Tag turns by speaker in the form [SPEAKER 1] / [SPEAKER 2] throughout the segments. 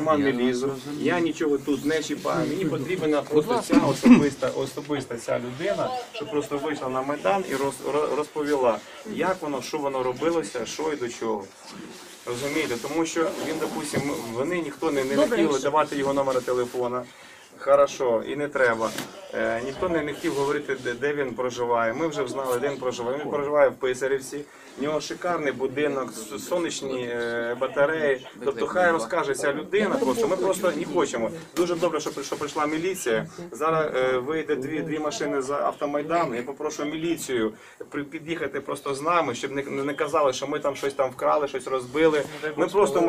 [SPEAKER 1] карман не лізу, я нічого тут не чіпаю. Мені потрібна просто ця особиста ця людина, що просто вийшла на Майдан і розповіла, як воно, що воно робилося, що і до чого. Розумієте? Тому що він, допустимо, вони ніхто не хотіли давати його номер телефона. Хорошо, і не треба. Ніхто не хотів говорити, де він проживає. Ми вже знали, де він проживає. Він проживає в Писарівці. У нього шикарний будинок, сонячні батареї. Тобто хай розкаже ця людина, просто ми просто не хочемо. Дуже добре, що прийшла міліція. Зараз вийде дві машини за Автомайдану. Я попрошу міліцію під'їхати просто з нами, щоб не казали, що ми там щось там вкрали, щось розбили. Ми просто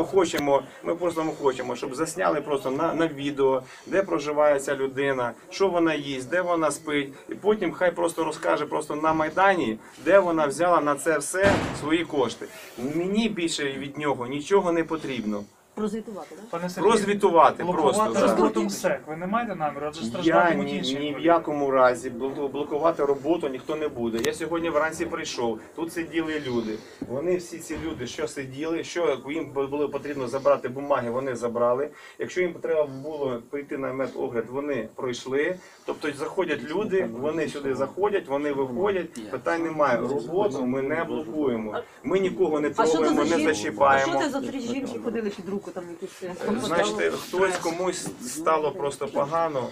[SPEAKER 1] хочемо, щоб засняли просто на відео, де проживає ця людина, що вона їсть, де вона спить. І потім хай просто розкаже просто на Майдані, де вона взяла на це все свої кошти. Мені більше від нього нічого не потрібно.
[SPEAKER 2] Прозвітувати, так?
[SPEAKER 1] Розвітувати просто.
[SPEAKER 3] Роботу МСЕК. Ви не маєте наміру?
[SPEAKER 1] Я ні в якому разі блокувати роботу ніхто не буде. Я сьогодні вранці прийшов, тут сиділи люди. Вони всі ці люди, що сиділи, що їм було потрібно забрати бумаги, вони забрали. Якщо їм треба було прийти на медогляд, вони пройшли. Тобто заходять люди, вони сюди заходять, вони виходять, питань немає. Роботу ми не блокуємо. Ми нікого не трогаємо, не зачіпаємо.
[SPEAKER 2] А що це за три жінки ходили під руку там якісь?
[SPEAKER 1] Значить, хтось комусь стало просто погано,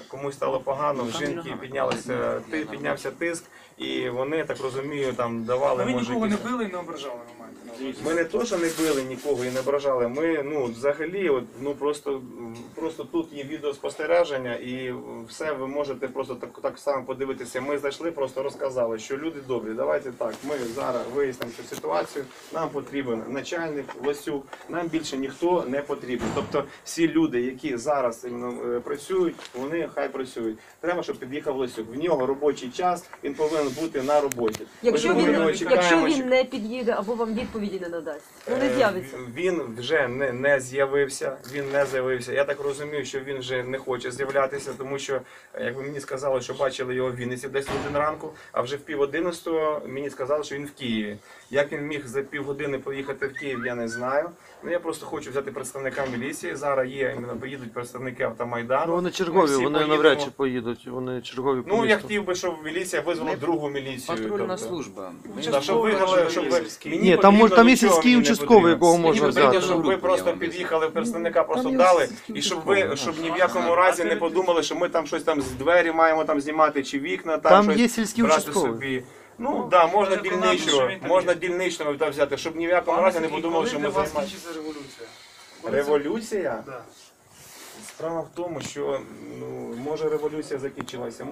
[SPEAKER 1] в жінки піднявся тиск, і вони, я так розумію, там давали,
[SPEAKER 3] Ви
[SPEAKER 1] може,
[SPEAKER 3] нікого не
[SPEAKER 1] якісь...
[SPEAKER 3] били і не ображали, ви маєте на увазі?
[SPEAKER 1] Ми не то, що не били нікого і не ображали, ми, взагалі, просто тут є відеоспостереження і все ви можете просто так само подивитися. Ми зайшли, просто розказали, що люди добрі, давайте так, ми зараз вияснимо цю ситуацію, нам потрібен начальник, Лосюк, нам більше ніхто не потрібен. Тобто всі люди, які зараз працюють, вони хай працюють. Треба, щоб під'їхав Лосюк. В нього робочий час, він повинен бути на роботі.
[SPEAKER 2] Якщо він не під'їде або вам відповіді не надасть, не з'явиться.
[SPEAKER 1] Він вже не з'явився, Я так розумію, що він вже не хоче з'являтися, тому що, як мені сказали, що бачили його в Вінниці десь в 1 ранку, а вже в 10:30 мені сказали, що він в Києві. Як він міг за півгодини поїхати в Київ, я не знаю. Я просто хочу взяти представника міліції. Зараз поїдуть представники Автомайдану.
[SPEAKER 4] Вони чергові, вони навряд чи поїдуть, вони чергові по місту.
[SPEAKER 1] Я хотів би, щоб міліція визвала другу міліцію.
[SPEAKER 5] Патрульна служба.
[SPEAKER 1] Щоб вигнали, щоб
[SPEAKER 4] Ні, там є сільський участковий, якого можна взяти.
[SPEAKER 1] Щоб ви просто під'їхали, представника просто дали, і щоб ні в якому разі не подумали, що ми там щось там з двері маємо там знімати, чи вікна,
[SPEAKER 4] там
[SPEAKER 1] щось
[SPEAKER 4] є сільський
[SPEAKER 1] брати
[SPEAKER 4] участковий.
[SPEAKER 1] собі. Можна дільничного взяти, щоб ні в якому разі не подумали, що ми займаємося.
[SPEAKER 3] Коли закінчиться революція?
[SPEAKER 1] Революція?
[SPEAKER 3] Да.
[SPEAKER 1] Справа в тому, що може революція закінчилася,